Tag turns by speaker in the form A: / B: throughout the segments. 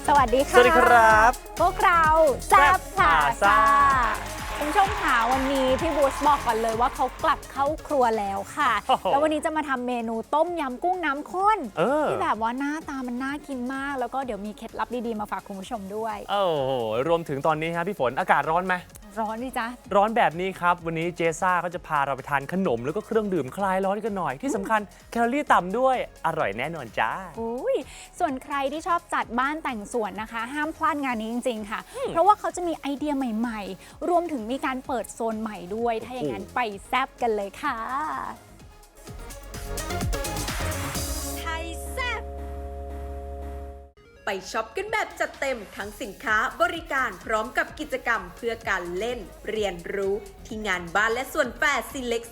A: สวัสดีค่ะ
B: สวัสดีครับ
A: พวกเราแซ่บผ่าซ่าคุณผู้ชมค่ะวันนี้พี่บูชบอกก่อนเลยว่าเขากลับเข้าครัวแล้วค่ะ แล้ววันนี้จะมาทำเมนูต้มยำกุ้งน้ำข้นที่แบบว่าหน้าตามันน่ากินมากแล้วก็เดี๋ยวมีเคล็ดลับดีๆมาฝากคุณผู้ชมด้วย
B: โอ้โหรวมถึงตอนนี้ครับพี่ฝนอากาศร้อนไหม
A: ร้อนดิจ๊ะ
B: ร้อนแบบนี้ครับวันนี้เจซ่าก็จะพาเราไปทานขนมแล้วก็เครื่องดื่มคลายร้อนกันหน่อยที่สำคัญแคลอรี่ต่ำด้วยอร่อยแน่นอนจ้า
A: อุ้ยส่วนใครที่ชอบจัดบ้านแต่งสวนนะคะห้ามพลาดงานนี้จริงๆค่ะเพราะว่าเขาจะมีไอเดียใหม่ๆรวมถึงมีการเปิดโซนใหม่ด้วยถ้าอย่างนั้นไปแซ่บกันเลยค่ะ
C: ไทยแซ่บไปช็อปกันแบบจัดเต็มทั้งสินค้าบริการพร้อมกับกิจกรรมเพื่อการเล่นเรียนรู้ที่งานบ้านและส่วนแฟร์ซิเล็ก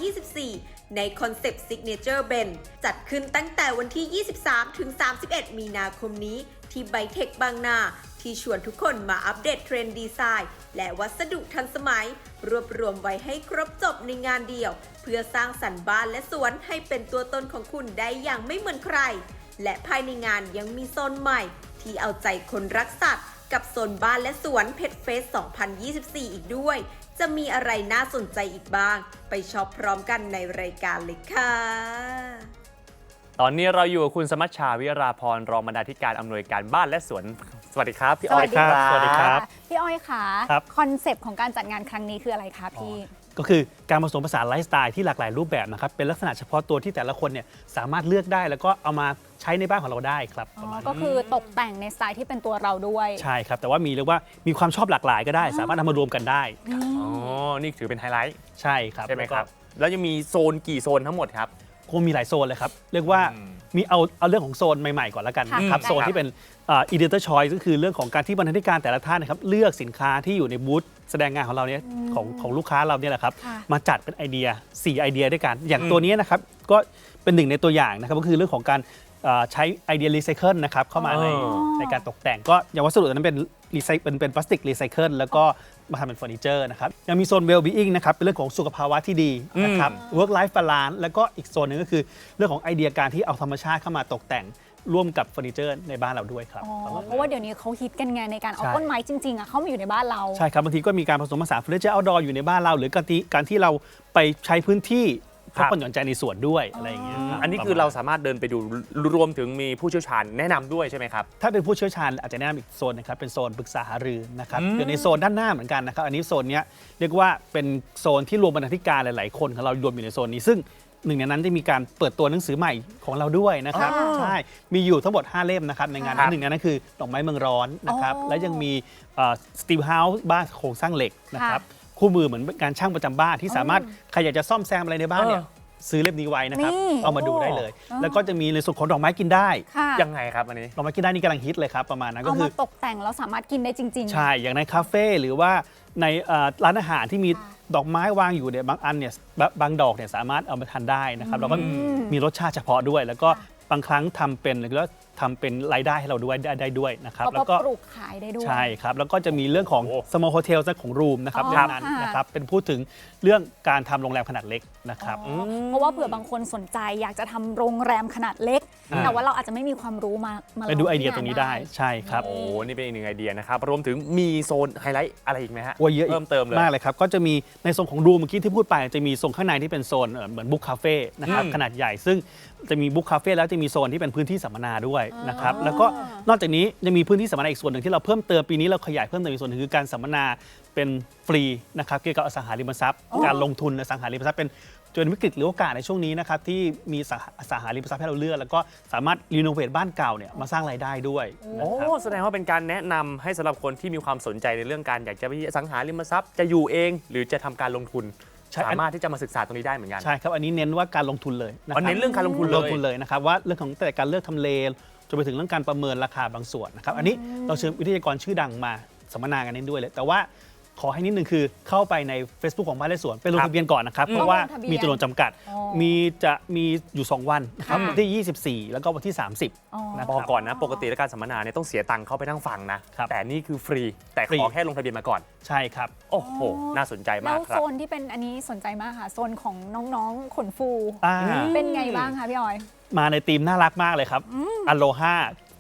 C: 2024 ในคอนเซปต์ Signature Ben จัดขึ้นตั้งแต่วันที่ 23 ถึง 31 มีนาคมนี้ที่ไบเทคบางนาที่ชวนทุกคนมาอัปเดตเทรนด์ดีไซน์และวัสดุทันสมัยรวบรวมไว้ให้ครบจบในงานเดียวเพื่อสร้างสรรค์บ้านและสวนให้เป็นตัวตนของคุณได้อย่างไม่เหมือนใครและภายในงานยังมีโซนใหม่ที่เอาใจคนรักสัตว์กับโซนบ้านและสวนเพชรเฟส 2024 อีกด้วยจะมีอะไรน่าสนใจอีกบ้างไปช็อปพร้อมกันในรายการเลยค่ะ
B: ตอนนี้เราอยู่กับคุณสมัชชาวิราพรรองบรรณาธิการอำนวยการบ้านและสวนสวัสดีครับพี่อ้อยครับ
A: สวัสดีครับพี่อ้อยค่ะคอนเซปต์ของการจัดงานครั้งนี้คืออะไรคะพี่
D: ก็คือการผสมผสานไลฟ์สไตล์ที่หลากหลายรูปแบบนะครับเป็นลักษณะเฉพาะตัวที่แต่ละคนเนี่ยสามารถเลือกได้แล้วก็เอามาใช้ในบ้านของเราได้ครับ
A: ก็คือตกแต่งในสไตล์ที่เป็นตัวเราด้วย
D: ใช่ครับแต่ว่าเรียกว่ามีความชอบหลากหลายก็ได้สามารถนำมารวมกันได้
B: อ๋อนี่ถือเป็นไฮไลท์
D: ใช่ครับ
B: ใช่ไหมครับแล้วยังมีโซนกี่โซนทั้งหมดครับ
D: คงมีหลายโซนเลยครับเรียกว่ามีเอาเรื่องของโซนใหม่ๆก่อนแล้วกันนะครับโซนที่เป็นeditor choice ก็คือเรื่องของการที่บรรณาธิการแต่ละท่านนะครับเลือกสินค้าที่อยู่ในบูธแสดงงานของเราเนี่ยของลูกค้าเราเนี่ยแหละครับมาจัดเป็นไอเดีย4ไอเดียด้วยกันอย่างตัวนี้นะครับก็เป็นหนึ่งในตัวอย่างนะครับก็คือเรื่องของการใช้ไอเดียรีไซเคิลนะครับเข้ามาในการตกแต่งก็อย่างวัสดุนั้นเป็นพลาสติกรีไซเคิลแล้วก็มาทำเป็นเฟอร์นิเจอร์นะครับยังมีโซน well-being นะครับเป็นเรื่องของสุขภาวะที่ดีนะครับ work life balance แล้วก็อีกโซนหนึ่งก็คือเรื่องของไอเดียการที่เอาธรรมชาติเข้ามาตกแต่งร่วมกับเฟอร์นิเจอร์ในบ้านเราด้วยครับ
A: เพราะว่าเดี๋ยวนี้เขาฮิตกันไงในการเอาต้นไม้จริงๆเข้ามาอยู่ในบ้านเรา
D: ใช่ครับบางทีก็มีการผสมผสานเฟอร์นิเจอร์เอาท์ดอร์อยู่ในบ้านเราหรือการที่เราไปใช้พื้นที่พักผ่อนหย่อนใจในสวนด้วยอะไรอย่างเงี้ย
B: อันนี้คือเราสามารถเดินไปดูรวมถึงมีผู้เชี่ยวชาญแนะนำด้วยใช่ไหมครับ
D: ถ้าเป็นผู้เชี่ยวชาญอาจจะแนะนำอีกโซนนะครับเป็นโซนปรึกษาหารือนะครับอยู่ในโซนด้านหน้าเหมือนกันนะครับอันนี้โซนนี้เรียกว่าเป็นโซนที่รวมบรรณาธิการหลายๆคนของเรารวมอยู่ในโซนนี้ซึ่งหนึ่งในนั้นจะมีการเปิดตัวหนังสือใหม่ของเราด้วยนะครับใช่มีอยู่ทั้งหมด5เล่มนะครับในงานหนึ่งในนั้นคือดอกไม้เมืองร้อนนะครับและยังมีสตีลเฮาส์บ้านโครงสร้างเหล็กนะครับคู่มือเหมือนการช่างประจำบ้านที่สามารถใครอยากจะซ่อมแซมอะไรในบ้านเนี่ยซื้อเล่มนี้ไว้นะครับเอามาดูได้เลยแล้วก็จะมีในส่วนของดอกไม้กินได้
B: ยังไงครับอันนี้
D: ดอกไม้กินได้นี่กำลังฮิตเลยครับประมาณนั้นก็คือ
A: เอามาตกแต่งแล้วสามารถกินได้จริงๆ
D: ใช่อย่างในคาเฟ่หรือว่าในร้านอาหารที่มีดอกไม้วางอยู่เนี่ยบางอันเนี่ยบางดอกเนี่ยสามารถเอามาทานได้นะครับแล้วก็มีรสชาติเฉพาะด้วยแล้วก็บางครั้งทำเป็นแล้วทำเป็นรายได้ให้เราด้วยได้ด้วยนะครับ
A: แล้วก็ปลูกขายได้ด้วย
D: ใช่ครับแล้วก็จะมีเรื่องของ small hotel ของรูมนะครับเรื่องนั้นนะครับเป็นพูดถึงเรื่องการทำโรงแรมขนาดเล็กนะครับ
A: เพราะว่าเผื่อบางคนสนใจอยากจะทำโรงแรมขนาดเล็กแต่ว่าเราอาจจะไม่มีความรู้มา
D: ไปดูไอเดียตรงนี้ได้ใช่ครับ
B: โอ้นี่เป็นอีกหนึ่งไอเดียนะครับรวมถึงมีโซนไฮไลท์อะไรอีกไหมฮะ
D: เยอะ
B: เพิ่มเติมเลย
D: มากเลยครับก็จะมีในโซนของรูมเมื่อกี้ที่พูดไปจะมีโซนข้างในที่เป็นโซนเหมือนบุ๊กคาเฟ่นะครับขนาดใหญ่ซึ่งจะมีบุ๊กคาเฟ่แล้วจะมีโซนที่เป็นพื้นที่สัมมนาด้วยนะครับแล้วก็นอกจากนี้ยังมีพื้นที่สัมมนาอีกส่วนหนึ่งที่เราเพิ่มเติมปีนี้เราขยายเพิ่มเติมอีกส่วนหนึ่งคือการสัมมนาเป็นฟรีนะครับเกี่ยวกับอสังหาริมทรัพย์การลงทุนในอสังหาริมทรัพย์เป็นจนวิกฤตหรือโอกาสในช่วงนี้นะครับที่มีอสังหาริมทรัพย์ให้เราเลือกแล้วก็สามารถรีโนเวทบ้านเก่าเนี่ยมาสร้างรายได้ด้วย
B: โอ้แสดงว่าเป็นการแนะนำให้สำหรับคนที่มีความสนใจในเรื่องการอยากจะไปอสังหาริมทรัพย์จะอยู่เองหรือจะทำการลงทุนสามารถที่จะมาศึกษาตรงนี้ได้เหมือนกัน
D: ใช่ครับอันนี้เน้นว่าการลงทุนเลย
B: นะครับเน้นเรื่องการลงทุน
D: เลยนะครับว่าเรื่องของแต่การเลือกทำเลจนไปถึงเรื่องการประเมินราคาบางส่วนนะครับอันนี้เราเชิญวิทยากรชื่อดังมาสัมมนากันนี้ด้วยเลยแต่ว่า ขอให้นิดนึงคือเข้าไปใน Facebook ของบ้านและสวนไปลงทะเบียนก่อนนะครับเพราะว่ามีจำนวนจำกัดจะมีอยู่2วันนะครับวันที่24แล้วก็วันที่30นะ
B: บอกก่อนนะปกติแล้วการสัมมนาเนี่ยต้องเสียตังค์เข้าไปนั่งฟังนะแต่นี่คือฟรีแต่ขอแค่ลงทะเบียนมาก่อน
D: ใช่ครับ
B: โอ้โหน่าสนใจมากครับ
A: แล้วโซนที่เป็นอันนี้สนใจมากค่ะโซนของน้องๆขนฟูเป็นไงบ้างคะพี่ออย
D: มาในธีมน่ารักมากเลยครับอโลฮาเพ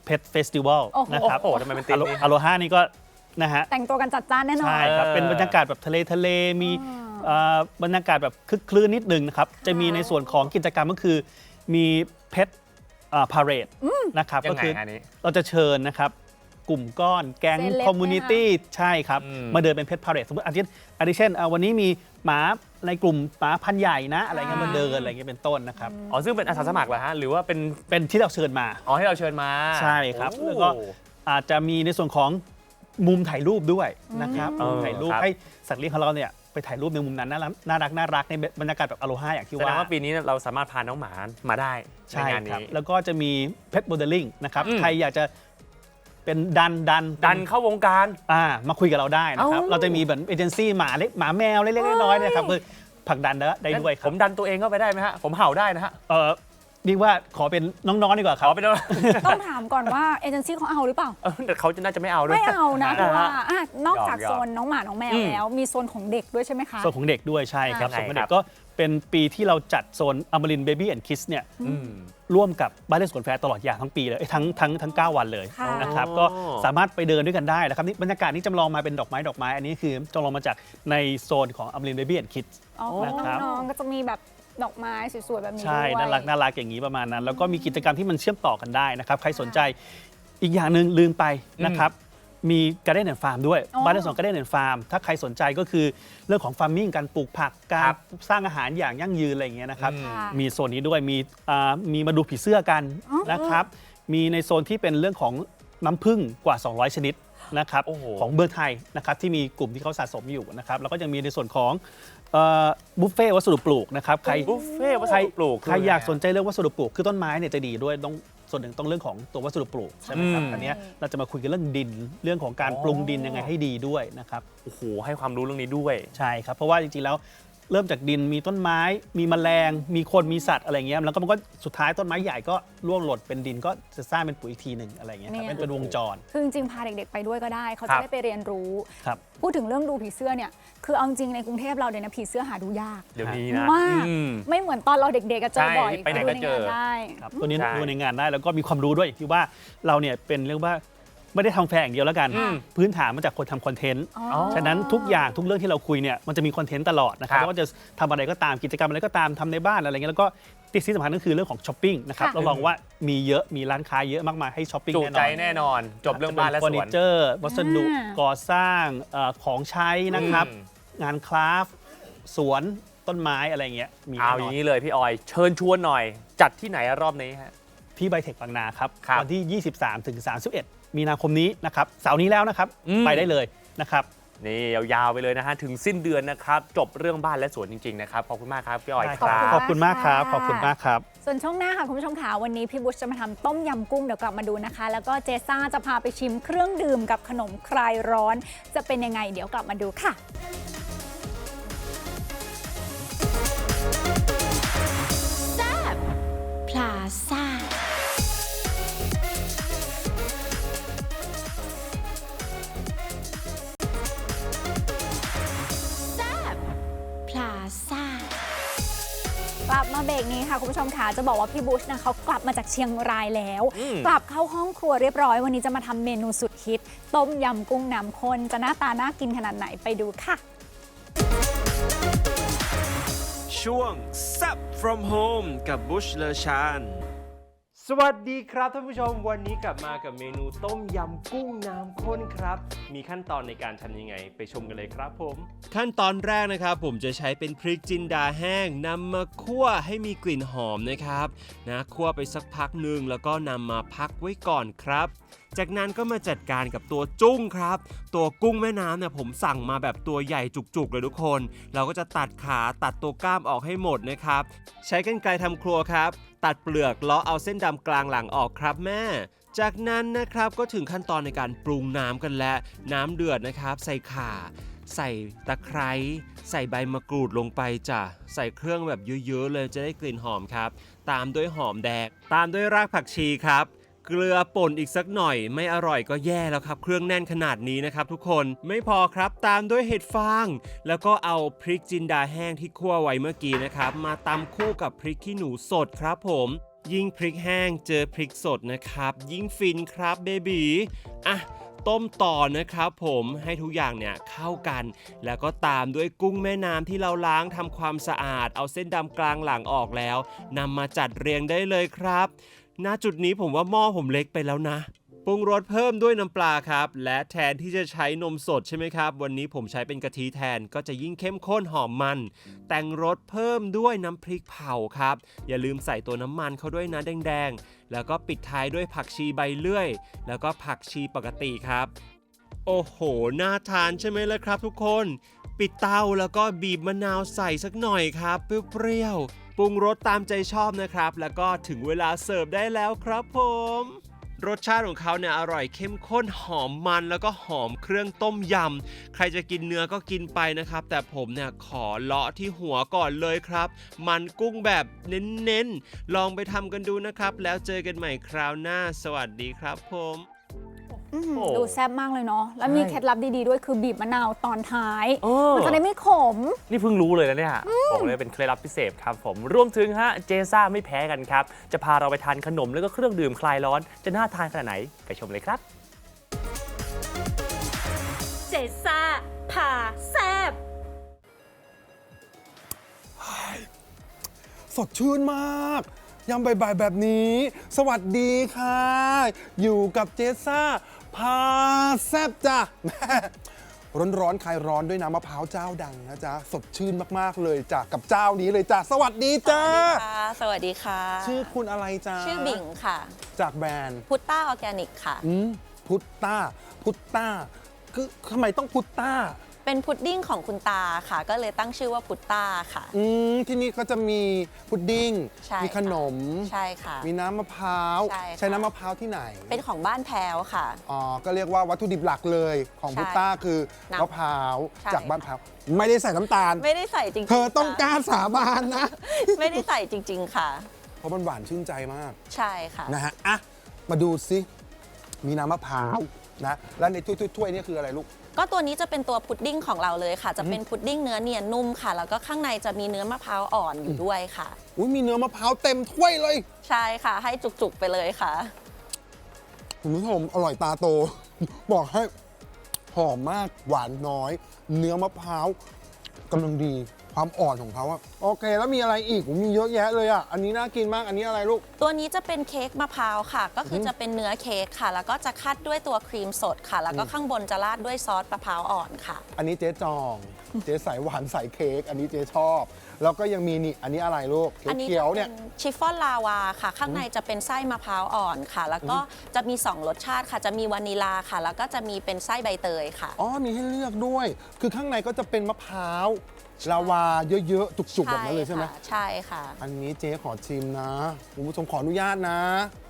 D: Pet Festival
A: โอ้โห
D: นะครับ
B: โอ้โหทำไมเป็นธีมนี้
D: อโลฮานี่ก็นะฮะ
A: แต่งตัวกันจัดจ้านแน่นอน
D: ใช่ครับ เป็นบรรยากาศแบบทะเลมีบรรยากาศแบบคึกคลื้นนิดนึงนะครับ จะมีในส่วนของกิจกรรมก็คือมีเพชรพาเรดนะครับ
B: ยั
D: ก็
B: งไง
D: คือ
B: อันนี้
D: เราจะเชิญนะครับกลุ่มก้อนแก๊ง
A: เซเลบ
D: คอมมูนิตี้ใช่ครับ
B: อืม
D: มาเดินเป็นเพชรพาเรดสมมติอาทิตย์เช่นวันนี้มีหมาในกลุ่มหมาพันธุ์ใหญ่นะอะไรเงี้ยมาเดินอะไรเงี้ยเป็นต้นนะครับ
B: อ๋อซึ่งเป็นอาสาสมัครเหรอฮะหรือว่าเป็น
D: เป็นที่เราเชิญมา
B: อ๋อให้เราเชิญมา
D: ใช่ครับ
B: โอ้
D: แล้วก็อาจจะมีในส่วนของมุมถ่ายรูปด้วยนะครับ
B: เออ
D: มุมถ่ายรูป
B: ครับ
D: ให้สัตว์เลี้ยงของเราเนี่ยไปถ่ายรูปในมุมนั้นน่ารักในบรรยากาศแบบอโลฮาอย่างที่
B: แสด
D: ว่า
B: งว่าปีนี้เราสามารถพาน้องหมามาได้ใน
D: ใช่
B: งาน
D: ครับ
B: นี้
D: แล้วก็จะมีเพชรโมเดลลิ่งนะครับ
B: อืม
D: ใครอยากจะเป็นดัน
B: เข้าวงการ
D: มาคุยกับเราได้นะครับ
B: เอ้า
D: เราจะมีแบบเอเจนซี่หมาเล็กหมาแมวเล็กๆน้อยๆนะครับคือผลักดันได้ด้วยค
B: ผ
D: รับ
B: มดันตัวเองเข้าไปได้ไหมฮะผมเห่าได้นะฮะ
D: เรียกว่าขอเป็นน้องๆดีกว่าค
B: ข
D: รับ
B: อไปด้วย
A: ต้องถามก่อนว่าเอเจนซี่เขาเอาหรือเปล่า
B: แต่เขาน่าจะไม่เอาด้วย
A: ไม่เอานะเพราะว่านอกจาก
B: หยอกๆ
A: โซนน้องหมาน้องแมว
B: อืม
A: แล้ว มีโซนของเด็กด้วยใช่ไหมคะ
D: ส่วนของเด็กด้วยใช่ครับ
B: ยังไง
D: ส่วนของ
B: ค
D: เด็
B: รับ
D: กก็เป็นปีที่เราจัดโซนอมรินเบบี้แอนด์คิสเนี่ย
B: อืม
D: ร่วมกับบ้านเล่นสวนแฟร์ตลอดอย่างทั้งปีเลยทั้ง 9 วันเลย
A: ค่ะ
D: นะครับ
B: อ๋อ
D: ก็สามารถไปเดินด้วยกันได้นะครับนี่บรรยากาศนี้จำลองมาเป็นดอกไม้อันนี้คือจำลองมาจากในโซนของอมรินเบบี้แอนด์คิด
A: อ๋อ
D: นะครับ
A: น้องๆก็จะมีแบบดอกไไม้สวยๆแบบนี้
D: ใช่
A: ด้วย
D: น่ารักอย่างนี้ประมาณนั้น แล้วก็มีกิจกรรมที่มันเชื่อมต่อกันได้นะครับ ใครสนใจอีกอย่างหนึ่งลืมไปนะครับ มี Garden and Farm ด้วย
A: อ๋อ
D: บ้านเล่นสวน Garden and Farm ถ้าใครสนใจก็คือเรื่องของ farming การปลูกผักการ
B: ครับ
D: สร้างอาหารอย่างยั่งยืนอะไรอย่างเงี้ยนะครับ
B: อืม
A: ค่ะ
D: มีโซนนี้ด้วยมีมาดูผีเสื้อกัน
A: อ๋อ
D: นะครับ มีในโซนที่เป็นเรื่องของน้ำผึ้งกว่า 200 ชนิดนะครับ
B: โอ้โห
D: ของเมืองไทยนะครับที่มีกลุ่มที่เขาสะสมอยู่นะครับแล้วก็ยังมีในส่วนของบุฟเฟ่วัสดุปลูกนะครับใคร
B: บุฟเฟ่ต์วัสดุปลูก
D: ใครอยากสนใจเรื่องวัสดุปลูกคือต้นไม้เนี่ยจะดีด้วยต้องส่วนหนึ่งต้องเรื่องของตัววัสดุปลูกใช่ไหมครับ
B: อืม
D: อันเนี้ยเราจะมาคุยกันเรื่องดินเรื่องของการปรุงดินยังไงให้ดีด้วยนะครับ
B: โอ้โหให้ความรู้เรื่องนี้ด้วย
D: ใช่ครับเพราะว่าจริงๆแล้วเริ่มจากดินมีต้นไม้มีแมลงมีคนมีสัตว์อะไรเงี้ยแล้วก็มันก็สุดท้ายต้นไม้ใหญ่ก็ร่วงหล่นเป็นดินก็จะสร้างเป็นปุ๋ยอีกทีหนึ่งอะไรเงี้ยครับ
A: เนี่ย
D: เป็นวงจร
A: คือจริงๆพาเด็กๆไปด้วยก็ได้ เขา
B: ครั
A: จะ
B: บ
A: ได้ไปเรียนรู้
D: ครับ
A: พูดถึงเรื่องดูผีเสื้อเนี่ย คือเอาจริงในกรุงเทพเราเนี่ยนะผีเสื้อหาดูยาก
B: เดี๋ยวนี้นะ
A: มาก
B: อืม
A: ไม่เหมือนตอนเราเด็กๆก็เจอ
B: ใช่
A: บ่อย
B: ไปไหนก็เจอ
A: ดูในงานได้
D: ครับตัวนี้
B: ใช่
D: ดูในงานได้แล้วก็มีความรู้ด้วยที่ว่าเราเนี่ยเป็นเรียกว่าไม่ได้ทำแฟร์อย่างเดียวแล้วกัน
B: อืม
D: พื้นฐานมาจากคนทำคอนเทนต์
A: อ๋อ
D: ฉะนั้นทุกอย่างทุกเรื่องที่เราคุยเนี่ยมันจะมีคอนเทนต์ตลอดนะครับ
B: ครับ
D: ไม่ว่าจะทำอะไรก็ตามกิจกรรมอะไรก็ตามทำในบ้านอะไรเงี้ยแล้วก็ที่สำคัญก็คือเรื่องของช้อปปิ้งนะครับ
A: ค่ะ
D: เราลองว่ามีเยอะมีร้านค้าเยอะมากมายให้ช้อปปิ้ง
B: จุ
D: แน่น
B: ใจ
D: อน
B: แน่นอน จบเรื่องบ้านและ
D: เฟอ
B: ส
D: ร์นิ
B: วน
D: เจอร์วัสดุ
A: อ่า
D: ก่อสร้างของใช้นะครับ
B: อืม
D: งานคราฟต์สวนต้นไม้อะไรเงี้ยมี
B: เอา
D: แน่
B: อน
D: อน
B: ย่างนี้เลยพี่ออย เชิญชวนหน่อย จัดที่ไหนรอบนี้ฮะ
D: ที่ไบเทคบางนาครับ
B: ครับ
D: วันที่ 23 ถึง 31 มีนาคมนี้นะครับเสาร์นี้แล้วนะครับ
B: อืม
D: ไปได้เลยนะครับ
B: นี่ยาวๆไปเลยนะฮะ ถึงสิ้นเดือนนะครับ จบเรื่องบ้านและสวนจริงๆนะครับ ขอบคุณมากครับพี่ออย
D: ได้
B: ครั
D: ขอบคุณมากครับ ขอบคุณมากครับ
A: ส่วนช่วงหน้าค่ะคุณผู้ชมค่ะวันนี้พี่บุชจะมาทำต้มยำกุ้งเดี๋ยวกลับมาดูนะคะ แล้วก็เจซ่าจะพาไปชิมเครื่องดื่มกับขนมคลายร้อน จะเป็นยังไงเดี๋ยวกลับมาดูค่ะ
C: พลาซ่า พลาซ่า
A: กลับมาเบรกนี้ค่ะคุณผู้ชมค่ะจะบอกว่าพี่บุชนะเขากลับมาจากเชียงรายแล้ว
B: อืม
A: กลับเข้าห้องครัวเรียบร้อยวันนี้จะมาทำเมนูสุดฮิต ต้มยำกุ้งน้ำข้นจะหน้าตาน่ากินขนาดไหนไปดูค่ะ
E: ช่วง Sup from home กับบุชเลชาน
F: สวัสดีครับท่านผู้ชมวันนี้กลับมากับเมนูต้มยำกุ้งน้ำข้นครับ มีขั้นตอนในการทำยังไงไปชมกันเลยครับผม
E: ขั้นตอนแรกนะครับผมจะใช้เป็นพริกจินดาแห้งนำมาคั่วให้มีกลิ่นหอมนะครับคั่วไปสักพักหนึ่งแล้วก็นำมาพักไว้ก่อนครับ จากนั้นก็มาจัดการกับตัวจุ้งครับ ตัวกุ้งแม่น้ำเนี่ยผมสั่งมาแบบตัวใหญ่จุกๆเลยทุกคน เราก็จะตัดขาตัดตัวกล้ามออกให้หมดนะครับใช้กรรไกรทำครัวครับตัดเปลือกเลาะเอาเส้นดำกลางหลังออกครับแม่ จากนั้นนะครับก็ถึงขั้นตอนในการปรุงน้ำกันแล้วน้ำเดือดนะครับใส่ข่าใส่ตะไคร้ใส่ใบมะกรูดลงไปจ้ะใส่เครื่องแบบเยอะๆเลยจะได้กลิ่นหอมครับตามด้วยหอมแดงตามด้วยรากผักชีครับเกลือป่นอีกสักหน่อยไม่อร่อยก็แย่แล้วครับเครื่องแน่นขนาดนี้นะครับทุกคนไม่พอครับตามด้วยเห็ดฟางแล้วก็เอาพริกจินดาแห้งที่คั่วไว้เมื่อกี้นะครับมาตำคู่กับพริกขี้หนูสดครับผมยิ่งพริกแห้งเจอพริกสดนะครับยิ่งฟินครับเบบีอ่ะต้มต่อนะครับผมให้ทุกอย่างเนี่ยเข้ากันแล้วก็ตามด้วยกุ้งแม่น้ำที่เราล้างทำความสะอาดเอาเส้นดำกลางหลังออกแล้วนำมาจัดเรียงได้เลยครับณจุดนี้ผมว่าหม้อผมเล็กไปแล้วนะปรุงรสเพิ่มด้วยน้ำปลาครับและแทนที่จะใช้นมสดใช่ไหมครับวันนี้ผมใช้เป็นกะทิแทนก็จะยิ่งเข้มข้นหอมมันแต่งรสเพิ่มด้วยน้ำพริกเผาครับอย่าลืมใส่ตัวน้ำมันเข้าด้วยนะแดงๆแล้วก็ปิดท้ายด้วยผักชีใบเลื่อยแล้วก็ผักชีปกติครับโอ้โหน่าทานใช่ไหมล่ะครับทุกคนปิดเตาแล้วก็บีบมะนาวใส่สักหน่อยครับเปรี้ยวๆปรุงรสตามใจชอบนะครับแล้วก็ถึงเวลาเสิร์ฟได้แล้วครับผมรสชาติของเขาเนี่ยอร่อยเข้มข้นหอมมันแล้วก็หอมเครื่องต้มยำใครจะกินเนื้อก็กินไปนะครับแต่ผมเนี่ยขอเลาะที่หัวก่อนเลยครับมันกุ้งแบบเน้นๆลองไปทำกันดูนะครับแล้วเจอกันใหม่คราวหน้าสวัสดีครับผม
A: ดูแซ่บมากเลยเนาะแล้วมีเคล็ดลับดีๆด้วยคือบีบมะนาวตอนท้าย มันจะได้ไม่ขม
B: นี่เพิ่งรู้เลยนะเนี่ยบอกเลยเป็นเคล็ดลับพิเศษครับผมรวมถึงฮะเจซ่าไม่แพ้กันครับจะพาเราไปทานขนมแล้วก็เครื่องดื่มคลายร้อนจะน่าทานขนาดไหนไปชมเลยครับ
C: เจซ่าพาแซบ
G: สดชื่นมากยามบ่ายๆแบบนี้ สวัสดีค่ะ อยู่กับเจซ่าพาแซบจ้ะ ร้อนๆคลายร้อนด้วยน้ำมะพร้าวเจ้าดังนะจ๊ะ สดชื่นมากๆเลยจ้ะกับเจ้านี้เลยจ้ะ สวัสดีจ้า
H: สวัสดีค่ะ
G: ชื่อคุณอะไรจ้า
H: ชื่อบิ่งค่ะ
G: จากแบรนด์
H: พุตต้าออร์แกนิกค่ะ
G: พุตต้าคือทำไมต้องพุตต้า
H: เป็นพุดดิ้งของคุณตาค่ะ ก็เลยตั้งชื่อว่าพุตต้าค่ะ
G: ที่นี่ก็จะมีพุดดิ้ง
H: ใช่
G: มีขนม
H: ใช่ค่ะ
G: มีน้ำมะพร้าว
H: ใช่ค่ะ
G: ใช้น้ำมะพร้าวที่ไหน
H: เป็นของบ้านแพรวค่ะ
G: อ๋อ ก็เรียกว่าวัตถุดิบหลักเลยของ
H: ใช่
G: พุตต้าคือ
H: น้ำ
G: มะพร้าว
H: ใช่
G: จากบ้านแพร้าวไม่ได้ใส่น้ำตาล
H: ไม่ได้ใส่จริงๆ
G: เธอต้องก
H: ค่ะ
G: ล้าสาบานนะ
H: ไม่ได้ใส่จริง ๆ ค่ะ
G: เพราะมันหวานชื่นใจมาก
H: ใช่ค่ะ
G: นะฮะ อ่ะ มาดูสิ มีน้ำมะพร้าวนะ แล้วในถ้วยๆนี่คืออะไรลูก
H: ก็ตัวนี้จะเป็นตัวพุดดิ้งของเราเลยค่ะ จะเป็นพุดดิ้งเนื้อเนียนนุ่มค่ะ แล้วก็ข้างในจะมีเนื้อมะพร้าวอ่อนอยู่ด้วยค่ะ
G: อุ้ยมีเนื้อมะพร้าวเต็มถ้วยเลย
H: ใช่ค่ะ ให้จุกๆไปเลยค่ะ
G: คุณผู้ชมอร่อยตาโต บอกให้หอมมากหวานน้อย เนื้อมะพร้าวกำลังดีความอ่อนของเขาอะโอเค แล้วมีอะไรอีกมีเยอะแยะเลยอะอันนี้น่ากินมากอันนี้อะไรลูก
H: ตัวนี้จะเป็นเค้กมะพร้าวค่ะ ก็คือจะเป็นเนื้อเค้กค่ะ แล้วก็จะคัดด้วยตัวครีมสดค่ะ แล้วก็ข้างบนจะราดด้วยซอสมะพร้าวอ่อนค่ะ
G: อันนี้เจ๊จอง เจ๊สายหวานสายเค้กอันนี้เจ๊ชอบ แล้วก็ยังมีนี่อันนี้อะไรลูก
H: อันนี้
G: เขียว
H: จะ
G: ๆ
H: เป็
G: เนี่ย
H: นชิฟฟ่อนลาวาค่ะ ข้างในจะเป็นไส้มะพร้าวอ่อนค่ะ แล้วก็จะมี 2 รสชาติค่ะ จะมีวานิลาค่ะ แล้วก็จะมีเป็นไส้ใบเตยค่ะ
G: อ๋อมีให้เลือกด้วย คือข้างในก็จะเป็นมะพร้าวลาวาเยอะๆ จุกๆ แบบนั้นเลยใช่ไหม
H: ค่ะใช่ค่ะ
G: อันนี้เจ๊ขอชิมนะคุณผู้ชมขออนุญาตนะ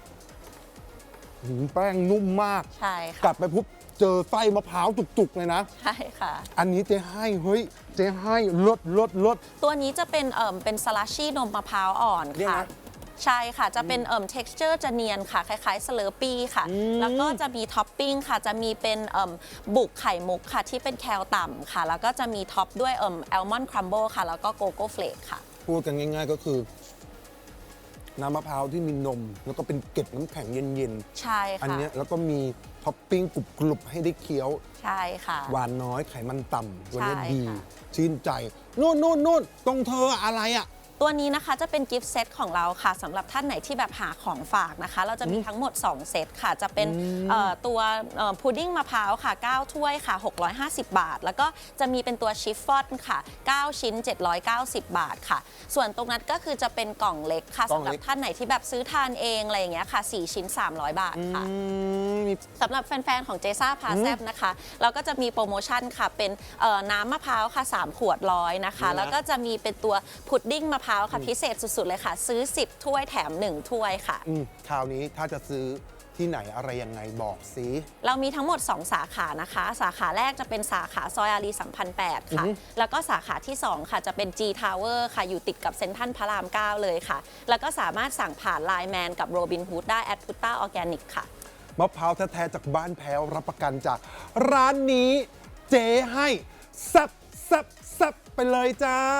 G: แป้งนุ่มมาก
H: ใช่
G: กลั
H: ค่ะ
G: บไปปุ๊บเจอไส้มะพร้าวจุกๆ เลยนะ
H: ใช่ค่ะ
G: อันนี้เจ๊ให้เฮ้ยเจ๊ให้ลด
H: ตัวนี้จะเป็นสลัชชี่นมมะพร้าวอ่อน
G: เนี่ย
H: ค่ะ
G: นะ
H: ใช่ค่ะ จะเป็นtexture จะเนียนค่ะ คล้ายๆสเลอร์ปี้ค่ะ แล้วก็จะมีท็อปปิ้งค่ะ จะมีเป็นบุกไข่มุกค่ะ ที่เป็นแคลต่ำค่ะ แล้วก็จะมีท็อปด้วยแอลมอนด์ครัมเบิลค่ะ แล้วก็โกโก้เฟลกค่ะ
G: พูดกันง่าย ๆ ก็คือ น้ำมะพร้าวที่มีนม แล้วก็เป็นเกล็ดน้ำแข็งเย็น
H: ใช่
G: ๆ อัน
H: ค่ะ
G: เนี้ยแล้วก็มีท็อปปิ้งกรุบๆ ให้ได้เคี้ยว
H: ใช่ค่ะ
G: หวานน้อยไขมันต่ำตัวเนี้ย
H: ใช่
G: ดี
H: ค่ะ
G: ชื่นใจ นู่นตรงเธออะไรอ่ะ
H: ตัวนี้นะคะจะเป็นกิฟต์เซตของเราค่ะสำหรับท่านไหนที่แบบหาของฝากนะคะ เราจะมีทั้งหมด 2 เซตค่ะ จะเป็นตัวพุดดิ้งมะพร้าวค่ะ 9 ถ้วยค่ะ 650 บาท แล้วก็จะมีเป็นตัวชิฟฟ่อนค่ะ 9 ชิ้น 790 บาทค่ะ ส่วนตรงนั้นก็คือจะเป็นกล่องเล็กค่ะ
G: กล่อง
H: สำหรั
G: เล็
H: บ
G: ก
H: ท่านไหนที่แบบซื้อทานเองอะไรอย่างเงี้ยค่ะ 4 ชิ้น 300 บาทค่ะ
G: มี
H: สำหรับแฟน ๆ ของเจซ่าพาแซบนะคะ เราก็จะมีโปรโมชั่นค่ะ เป็นน้ำมะพร้าวค่ะ 3 ขวด100นะคะ
G: นี่นะ
H: แล้วก็จะมีเป็นตัวพุดดิ้งมะพร้าวค่ะ พิเศษสุด ๆ เลยค่ะ ซื้อ 10 ถ้วยแถม 1 ถ้วยค่ะ
G: คราวนี้ถ้าจะซื้อที่ไหนอะไรยังไงบอกสิ
H: เรามีทั้งหมด 2 สาขานะคะ สาขาแรกจะเป็นสาขาซอยอารีสัมพันธ์8ค่ะ แล้วก็สาขาที่ 2 ค่ะจะเป็น G Tower ค่ะ อยู่ติดกับเซ็นทรัลพระราม 9 เลยค่ะ แล้วก็สามารถสั่งผ่าน Line Man กับ Robin Hood ได้ @Putta Organic ค่ะ
G: มะพร้าวแท้ๆจากบ้านแพ้วรับประกันจากร้านนี้เจ๊ให้แซ่บไปเลยจ้า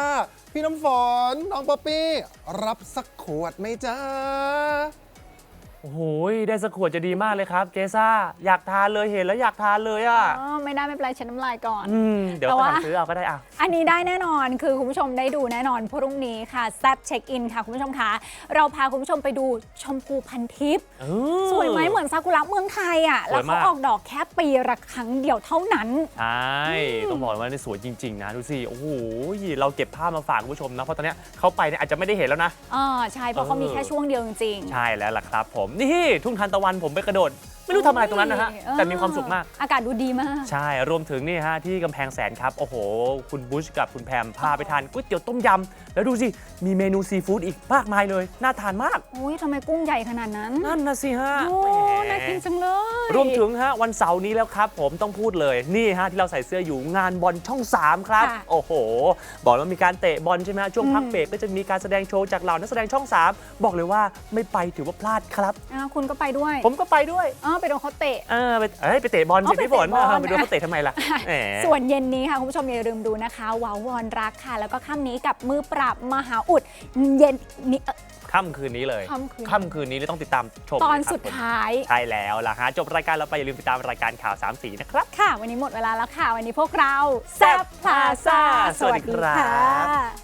G: พี่น้ำฝนน้องป๊อปปี้รับสักขวดไหมจ๊ะ
B: โอ้โหได้สักขวดจะดีมากเลยครับ เจซ่าอยากทานเลยเห็นแล้วอยากทานเลยอ่ะ
A: อ๋อไม่ได้ไม่เป็นไรเช็ดน้ำลายก่อน
B: เดี๋ยว
A: แต่
B: ไป
A: ว่า
B: สั่งซื้อเอาก็ได้อ่ะ
A: อันนี้ได้แน่นอนคือคุณผู้ชมได้ดูแน่นอนพรุ่งนี้ค่ะแซบเช็คอินค่ะคุณผู้ชมคะเราพาคุณผู้ชมไปดูชมพูพันทิพย์สวยไหมเหมือนซากุระเมืองไทยอ่ะ
B: ส
A: แล้ว
B: วย
A: เขา
B: มาก
A: ออกดอกแค่ปีละครั้งเดียวเท่านั้น
B: ใช่ต้องบอกว่านี่สวยจริง ๆ นะ ดูสิ โอ้โห เราเก็บภาพมาฝากคุณผู้ชมนะ เพราะตอนเนี้ยเขาไปเนี่ยอาจจะไม่ได้เห็นแล้วนะ
A: ใช่เพราะเขามีแค่ช่วงเดียวจริง
B: ใช่แล้วล่ะครับผม นี่ทุ่งทานตะวันผมไปกระโดด ไม่รู้ทำอะไรตรงนั้นนะฮะ แต่มีความสุขมาก
A: อากาศดูดีมาก
B: ใช่ รวมถึงนี่ฮะที่กำแพงแสนครับ โอ้โห คุณบุชกับคุณแพมพาไปทานก๋วยเตี๋ยวต้มยำ แล้วดูสิ มีเมนูซีฟู้ดอีกมากมายเลย น่าทานมาก
A: โอ้ยทำไมกุ้งใหญ่ขนาดนั้น
B: นั่นนะสิฮะ
A: โอ้
B: แหม
A: น่ากินจังเลย
B: รวมถึงฮะวันเสาร์นี้แล้วครับผมต้องพูดเลยนี่ฮะที่เราใส่เสื้ออยู่งานบอลช่อง 3 ครับ
A: ค่ะ
B: โอ้โห บอกแล้วมีการเตะบอลใช่ไหมฮะช่วงพักเบรกก็จะมีการแสดงโชว์จากเหล่านักแสดงช่อง 3 บอกเลยว่าไม่ไปถือว่าพลาดครับ
A: คุณก็ไปด้วย
B: ผมก็ไปด้วย
A: ไปโดนเขาเตะ
B: ไปเตะบอลสิ
A: ไป
B: พี่ฝน
A: เตะบอล
B: ไปดูเขาเตะทำไมล่ะแหม
A: ส่วนเย็นนี้ค่ะ คุณผู้ชมอย่าลืมดูนะคะว้าววอนรักค่ะ แล้วก็ค่ำนี้กับมือปราบมหาอุดเย็นนี้
B: ค่ำคืนนี้เลย
A: ค่ำคืน
B: คืนนี้เลยต้องติดตามชม
A: ตอน
B: นะครับ
A: สุดท้าย
B: ใช่แล้วล่ะฮะจบรายการเราไปอย่าลืมติดตามรายการข่าว3 สีนะครับ
A: ค่ะ วันนี้หมดเวลาแล้วค่ะ วันนี้พวกเรา
B: แซ่บพลาซ่า
A: สวัสดี
B: สวัสดีครั
A: ค่ะ
B: บ